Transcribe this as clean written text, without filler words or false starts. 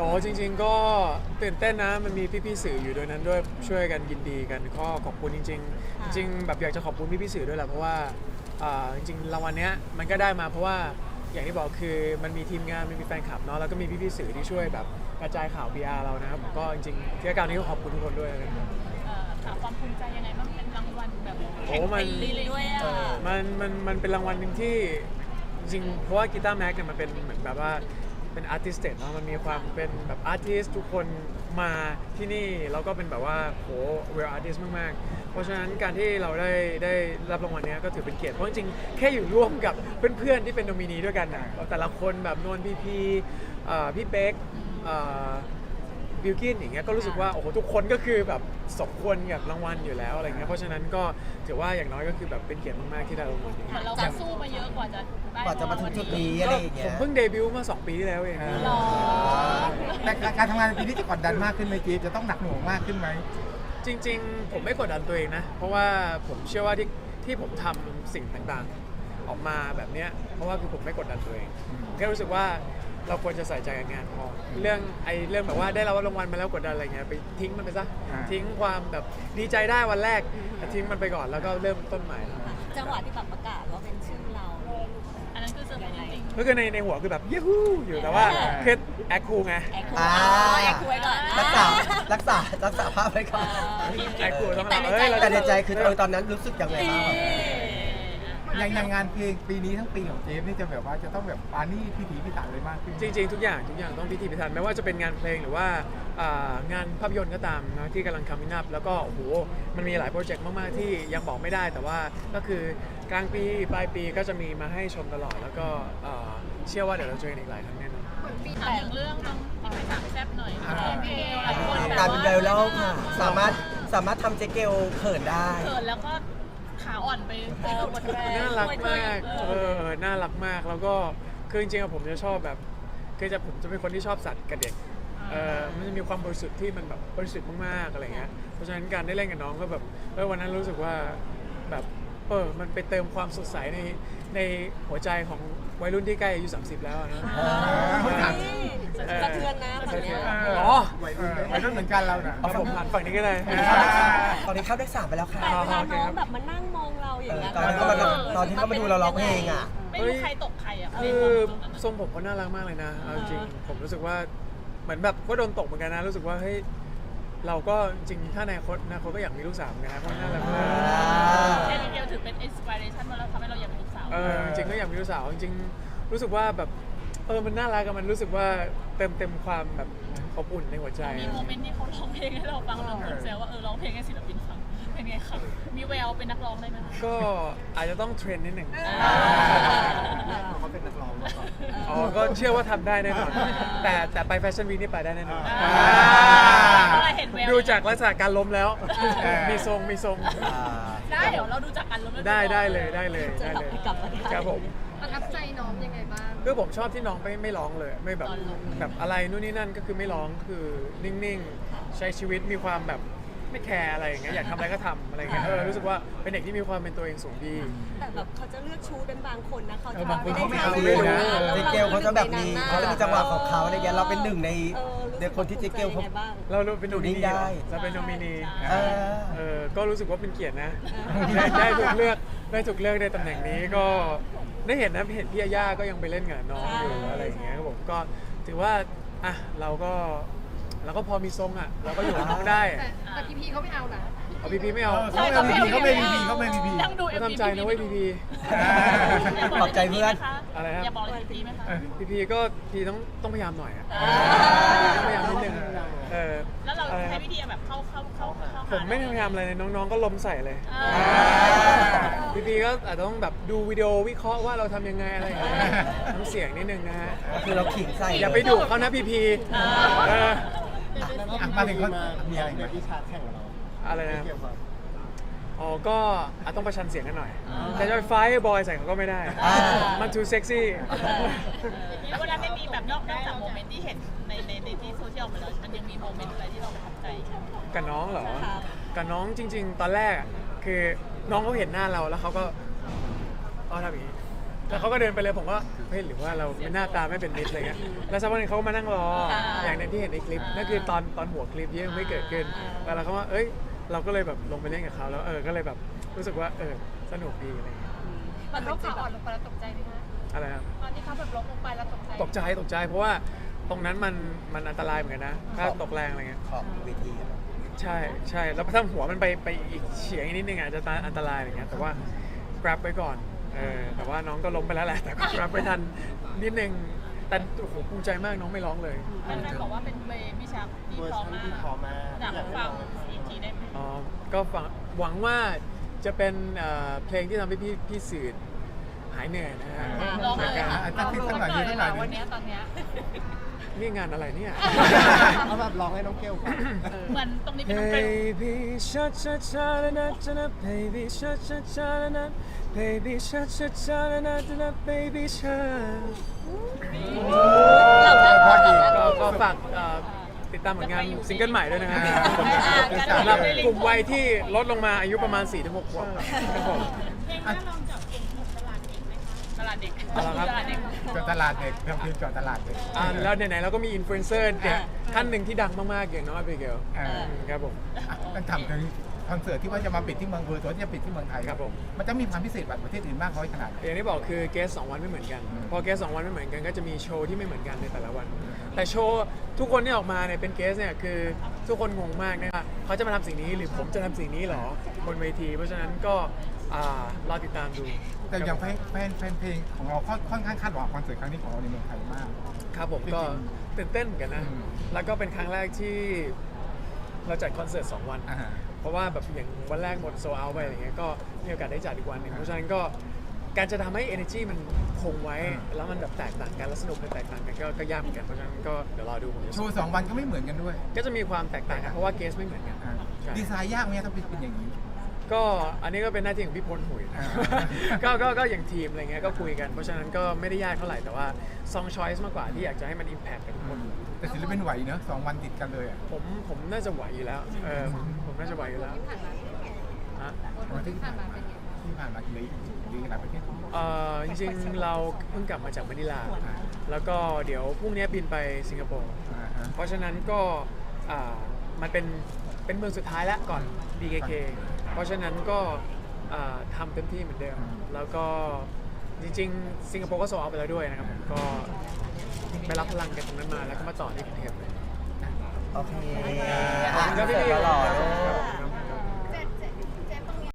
จริงๆก็ตื่นเต้นนะมันมีพี่ๆสื่ออยู่ด้วยนั้นด้วยช่วยกันยินดีกันก็ขอบคุณจริงๆจริงๆแบบอยากจะขอบคุณพี่ๆสื่อด้วยแหละเพราะว่าจริงๆรางวัลเนี้ยมันก็ได้มาเพราะว่าอย่างที่บอกคือมันมีทีมงานมันมีแฟนคลับเนาะแล้วก็มีพี่ๆสื่อที่ช่วยแบบกระจายข่าว PR เรานะครับผมก็จริงๆที่การนี้ก็ขอบคุณทุกคนด้วยนะครับถามความภูมิใจยังไงบ้างเป็นรางวัลแบบแข่งปีเลยด้วยอ่ะมันเป็นรางวัลหนึ่งที่จริงๆเพราะว่ากีตาร์แม็กเนี่ยมันเป็นเหมือนแบบว่าเป็นอาร์ติสต์เนาะมันมีความเป็นแบบอาร์ติสทุกคนมาที่นี่แล้วก็เป็นแบบว่าโหเวลอาร์ติสมากๆเพราะฉะนั้นการที่เราได้รับรางวัลนี้ก็ถือเป็นเกียรติเพราะจริงๆแค่อยู่ร่วมกับเพื่อนๆที่เป็นโนมินีด้วยกันนะแต่ละคนแบบนวลพี่เป๊กบิลกินอย่างเงี้ยก็รู้สึกว่าโอ้โหทุกคนก็คือแบบสมควรกับรางวัลอยู่แล้วอะไรเงี้ยเพราะฉะนั้นก็ถือว่าอย่างน้อยก็คือแบบเป็นเกียรติมากๆที่ได้รางวัลนี้เหมือนเราก็สู้มาเยอะกว่าจะได้มาถึงจุดนี้อะไรอย่างผเงี้มยเพิ่งเดบิวต์มา2 ปีที่แล้วเองหรอแต่การทำงานในปีนี้จะกดดันมากขึ้นไหมจี๊บจะต้องหนักหน่วงมากขึ้นไหมจริงๆผมไม่กดดันตัวเองนะเพราะว่าผมเชื่อว่าที่ผมทำสิ่งต่างๆออกมาแบบเนี้ยเพราะว่าคือผมไม่กดดันตัวเองผมแค่รู้สึกว่าเราควรจะใส่ใจกับงานพอเรื่องแบบว่าได้รับรางวัลมาแล้วกดดันอะไรเงี้ยไปทิ้งมันไปซะทิ้งความแบบดีใจได้วันแรกแต่ทิ้งมันไปก่อนแล้วก็เริ่มต้นใหม่จังหวะที่แบบประกาศว่าเป็นชื่อเราอันนั้นคือเซอร์ไพรส์จริงก็คือในหัวคือแบบยูฮูอยู่แต่ว่าคือแอคคูลไงแอคคูอ่าแอคคูไว้ก่อนรักษาภาพไว้ก่อนแอคคูลต้องแต่แบบในใจแต่ในใจคือตอนนั้นรู้สึกยังไงบ้างแบบอย่างงานเพลงปีนี้ทั้งปีของเจฟนี่จะแบบว่าจะต้องแบบปานี่พิถีพิถันเลยมากขึ้นจริงๆทุกอย่างต้องพิถีพิถันไม่ว่าจะเป็นงานเพลงหรือว่างานภาพยนตร์ก็ตามนะที่กำลังcoming upแล้วก็โอ้โหมันมีหลายโปรเจกต์มากๆที่ยังบอกไม่ได้แต่ว่าก็คือกลางปีปลายปีก็จะมีมาให้ชมตลอดแล้วก็เชื่อว่าเดี๋ยวเราเจอกันอีกหลายครั้งแน่นอนๆถามอย่างเรื่องน้องที่ไปสามแซ่บหน่อยเกลหลายคนการเป็นไวรัลค่ะ สามารถทำเจ๊เกลเขินได้เกิดแล้วก็ขาอ่อนไปหมดแรงน่ารักมากน่ารักมากแล้วก็คือจริงๆผมจะชอบแบบผมจะเป็นคนที่ชอบสัตว์กับเด็กมันจะมีความบริสุทธิ์ที่มันแบบบริสุทธิ์มากๆอะไรเงี้ยเพราะฉะนั้นการได้เล่นกับน้องก็แบบวันนั้นรู้สึกว่าแบบมันไปเติมความสดใสในหัวใจของวัยรุ่นที่ใกล้อายุ30แล้วนะสะเทือนนะฝั่งเนี้ยอ๋อวัยรุ่นเหมือนกันเราน่ะเอาผมหันฝั่งนี้ก็ได้ตอนนี้เข้าได้3ไปแล้วค่ะแต่เวลาน้องแบบมานั่งมองเราอย่างเงี้ยตอนที่เขามาดูเราร้องเพลงอ่ะไม่รู้ใครตกใครอ่ะคือทรงผมเขาน่ารักมากเลยนะเอาจริงผมรู้สึกว่าเหมือนแบบก็โดนตกเหมือนกันนะรู้สึกว่าเฮ้ยเราก็จริงถ้าในอนาคตก็อยากมีลูกสาวเหมือนกันนะเพราะน่ารักมากเกลถือเป็นอินสปิเรชันมาแล้วทำให้เราอยากเป็นลูกสาวจริงก็อยากมีลูกสาวจริงรู้สึกว่าแบบมันน่ารักมันรู้สึกว่าเต็มความแบบอบอุ่นในหัวใจมีโมเมนต์ที่เขาร้องเพลงให้เราฟังเราคนแซวว่าร้องเพลงให้ศิลปินฟังเป็นไงคะมีแววเป็นนักร้องได้ไหมคะก็อาจจะต้องเทรนนิดหนึ่งเขาเป็นนักร้องมาก่อนก็เชื่อว่าทำได้แน่นอนแต่ไปแฟชั่นวีคนี่ไปได้แน่นอนอะไรเห็นแววดูจากลักษณะการล้มแล้ว มีทรงได้เดี๋ยวเราดูจากกันแล้วได้เลยครับผมประทับใจน้องยังไงบ้างคือผมชอบที่น้องไม่ร้องเลยไม่แบบอะไรนู่นนี่นั่นก็คือไม่ร้องคือนิ่งๆใช้ชีวิตมีความแบบไม่แคร์อะไรอย่างเงี้ยอยากทำอะไรก็ทำอะไรอย่างเงี้ยรู้สึกว่าเป็นเด็กที่มีความเป็นตัวเองสูงดีแต่แบบเขาจะเลือกชูเป็นบางคนนะเขาจะบางคนเขาไม่เอาเจ๊เกลเขาจะแบบมีเขาจะมีจังหวะของเขาอะไรเงี้ยเราเป็นหนึ่งในคนที่เจ๊เกลเขาเราเป็นโนมินีได้เราเป็นโนมินีเออก็รู้สึกว่าเป็นเกียรตินะได้ถูกเลือกในตำแหน่งนี้ก็ได้เห็นนะเห็นพี่ย่าก็ยังไปเล่นกับน้องอยู่อะไรอย่างเงี้ยครับผมก็ถือว่าอ่ะเราก็พอมีทรงอ่ะเราก็อยู่กับน้องได้แต่พี่เขาไม่เอานะเอาพีไม่เอาเขาไม่พีเขาไม่พีนั่งดูก็ทำใจนะเว้ยพีขอบใจเพื่อนอะไรครับอย่าบอกเลยพีไหมคะพีก็ต้องพยายามหน่อยอ่ะต้องพยายามนิดนึงแล้วเราใช้วิธีแบบเข้าผมไม่พยายามอะไรเลยน้องๆก็ล้มใส่เลยพีก็อาจจะต้องแบบดูวิดีโอวิเคราะห์ว่าเราทำยังไงอะไรอย่างเงี้ยน้ำเสียงนิดนึงนะฮะคือเราขิงใส่อย่าไปดุเขานะพีมาถึงเขามีอะไรไหมอะไรนะก็อาจต้องประชันเสียงกันหน่อยแต่จะไปไฟท์บอยใส่เขาก็ไม่ได้มันทูเซ็กซี่แล้วเวลาไม่มีแบบนอกจากโมเมนต์ที่เห็นในที่โซเชียลมาแล้วมันยังมีโมเมนต์อะไรที่เราประทับใจใช่ไหมกับน้องเหรอกับน้องจริงๆตอนแรกคือน้องเขาเห็นหน้าเราแล้วเขาก็ทำอย่างนี้แล้วเขาก็เดินไปเลยผมก็เฮ้ยหรือว่าเราหน้าตาไม่เป็นมิตรอะไรเงี้ยแล้วสักวันหนึงเขาก็มานั่งรออย่างในที่เห็นในคลิปนั่นคือตอนหัวคลิปยังไม่เกิดขึ้นแต่เราก็ว่าเอ้ยเราก็เลยแบบลงไปเล่นกับเขาแล้วก็เลยแบบรู้สึกว่าสนุกดีอะไรเงี้ยตอนเขาขาอ่อนลงไปแล้วตกใจไหมคะอะไรครับตอนที่เขาแบบล้มลงไปแล้วตกใจตกใจเพราะว่าตรงนั้นมันอันตรายเหมือนกันนะถ้าตกแรงอะไรเงี้ยขอบเวทีอะใช่แล้วถ้าหัวมันไปอีกเฉียงอีกนิดนึงอาจจะอันตรายอะไรเงี้ยแต่ว่า grab ไว้ก่อนแต่ว่าน้องก็ล้มไปแล้วแหละแต่ก็ grab ไปทันนิดนึงแต่โอ้โหภูมิใจมากน้องไม่ร้องเลยนั่นบอกว่าเป็นเบบี้ชักที่พร้อมมากอยากฟังอีกทีได้ไหมอ๋อก็หวังว่าจะเป็นเพลงที่ทำให้พี่สื่อหายเหนื่อยนะฮะร้องเลยจากค่ะการตั้งที่ตั้งหน่อยยืนตั้งหน่อยวันนี้ตอนเนี้ยนี่งานอะไรเนี่ยเอาแบบร้องให้น้องเกลฟังเหมือนตรงนี้เป็นน้องเกล Baby cha cha cha na na na na baby cha cha cha na na baby cha cha cha na na na baby cha ก็ฝากติดตามผลงานซิงเกิลใหม่ด้วยนะครับสำหรับกลุ่มวัยที่ลดลงมาอายุประมาณ 4-6 ขวบครับผมเพลงน่าลองจับกลุ่มตลาดเด็กไหมคะตลาดเด็กอะไรครับตลาดเด็กจอดตลาดเด็กทำเพลงจอดตลาดเด็กแล้วไหนๆเราก็มีอินฟลูเอนเซอร์เด็กท่านหนึ่งที่ดังมากๆอย่างน้องอเบเกลครับผมมันทำถึงคอนเสิร์ตที่ว่าจะมาปิดที่เมืองเวอร์ตัวที่จะปิดที่เมืองไทยครับผมมันจะมีความพิเศษกว่าประเทศอื่นมากน้อยขนาดไหนอย่างที่บอกคือเกส2 วันไม่เหมือนกัน พอเกส2 วันไม่เหมือนกันก็จะมีโชว์ที่ไม่เหมือนกันในแต่ละวัน แต่โชว์ทุกคนที่ออกมาเนี่ยเป็นเกสเนี่ยคือทุกคนงงมากนะว่าเขาจะมาทำสิ่งนี้หรือผมจะทำสิ่งนี้หรอบนเวที เพราะฉะนั้นก็รอติดตามดูแต่อย่างแฟนเพลงของเราค่อนข้างคาดหวังคอนเสิร์ตครั้งนี้ของเราในเมืองไทยมากครับผมก็ตื่นเต้นเหมือนกันนะอืมแล้วก็เป็นครั้งแรกที่เราจัดคอนเสิร์ต2 วัน เพราะว่าแบบอย่างวันแรกหมดโซลเอาท์ไปอะไรเงี้ยก็มีโอกาสได้จัดอีกวันหนึ่งเพราะฉะนั้นก็การจะทำให้ energy มันคงไว้แล้วมันแบบแตกต่างกันแล้วสนุกมันแตกต่างกันก็ยากเหมือนกันเพราะฉะนั้นก็เดี๋ยวรอดูผมจะโชว์2 วันก็ไม่เหมือนกันด้วยก็จะมีความแตกต่างกันเพราะว่าเกสไม่เหมือนกันใช่ดีไซน์ยากไหมถ้าเป็นอย่างนี้ก็อันนี้ก็เป็นหน้าที่ของพี่พลหุยอ่าก็อย่างทีมอะไรเงี้ยก็คุยกันเพราะฉะนั้นก็ไม่ได้ยากเท่าไหร่แต่ว่า song choice มากกว่าที่อยากจะให้มัน impact กับทุกคนแต่ศิลปินไหวเนอะ2 วันติดกันเลยอ่ะผมน่าจะไหวอยู่แล้วผมน่าจะไหวอยู่แล้วฮะวันที่ผ่านมากี่หลายประเทศจริงๆเราเพิ่งกลับมาจากมะนิลา แล้วก็เดี๋ยวพรุ่งนี้บินไปสิงคโปร์ เพราะฉะนั้นก็มันเป็นเมืองสุดท้ายแล้วก่อน BKK เพราะฉะนั้นก็ทำเต็มที่เหมือนเดิม แล้วก็จริงๆสิงคโปร์ก็โซลเอาท์ไปแล้วด้วยนะครับผมก็ไปรับพลังกันตรงนั้นมาแล้วก็มาต่อที่กรุงเทพเลยโอเคขอบคุณครับพี่หล่อๆลูก